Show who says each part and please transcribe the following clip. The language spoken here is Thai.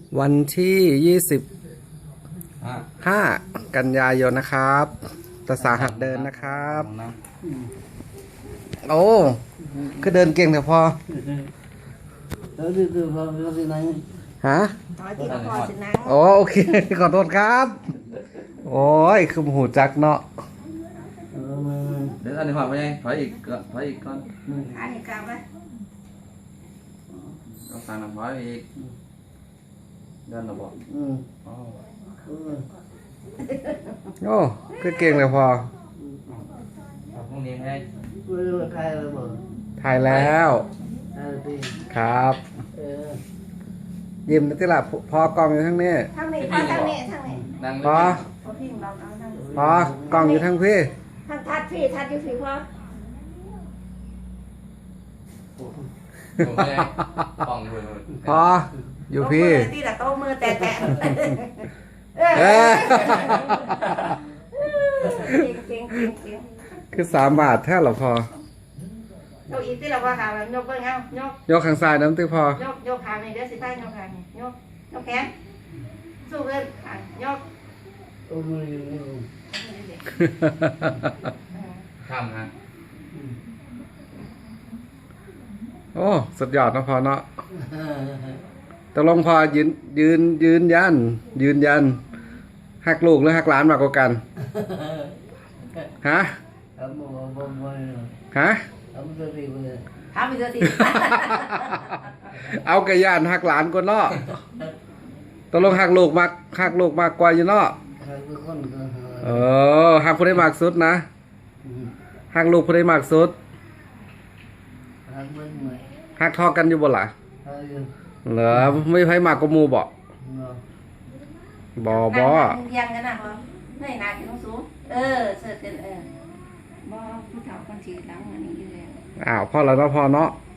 Speaker 1: วันที่25 กันยายนนะครับตาสาหัดเดินนะครับโอ้คือเดินเก่งแต่พอฮะโอ้โอเคขอโทษครับโอ้ยคือหูจักเนาะ
Speaker 2: เดี๋ยวอันนี้ถอยไปยังถอยอีกก่อนถอยอีกก่อน
Speaker 3: อันนี้กลับไป
Speaker 2: ก็สั่งน้ำถอยอีกเดินระบบอ๋อ
Speaker 1: โอ้คือเก่งเลยพอ
Speaker 2: พรุ่งนี้ให้
Speaker 1: ถ่ายแล้วครับยิ้มนะที่ละพอกล้องอยู่ทั้งนี้
Speaker 3: ทางนี้พอทางนี้ทางนี้
Speaker 2: นั่ง
Speaker 1: พอ
Speaker 3: พอพิงเราเอาทาง
Speaker 1: พอกล้องอยู่ทั้งพี่
Speaker 3: ทางทัดพี่ทัดอยู่พี่พอ
Speaker 2: ผมไม่ได้ป่องเลย
Speaker 1: พออยู่พี่
Speaker 3: ที่ละโต๊ะมือแตะ
Speaker 1: เออ
Speaker 3: เก่ง
Speaker 1: คือ3 บาทแท้หรอพอย
Speaker 3: กอีกที่เราว่าขายกเบิ้งเอายก
Speaker 1: ข้างซ้ายน้ำตื้อพอย
Speaker 3: กขานี่เดี๋ยวสิใต้ยกขานี่ยกแขนสู้เกินยก
Speaker 2: ข้ามฮะ
Speaker 1: โอ้สุดยอดนะพอเนาะตกลงพอยืนยันหักลูกหรือหักหลานมากกว่ากันฮะฮะ
Speaker 3: ทำอีกที
Speaker 1: เอากระยานหักหลานก็เนาะตกลงหักลูกมากกว่าอยู่เนาะหักผู้ใดมากสุดนะหักลูกผู้ใดมากสุดหักทอกันอยู่บ่ล่ะเหรอไม่ไผมากกว่าหมู่บ่
Speaker 3: ยังกันนะพ่อไม่หนักต้องสูงเสิร์ฟกันบ่ผู้เฒ่าคนฉีดหลังอันนี้อยู่แล้ว
Speaker 1: อ้าวพ่อแล้วเนาะพ่อเนาะ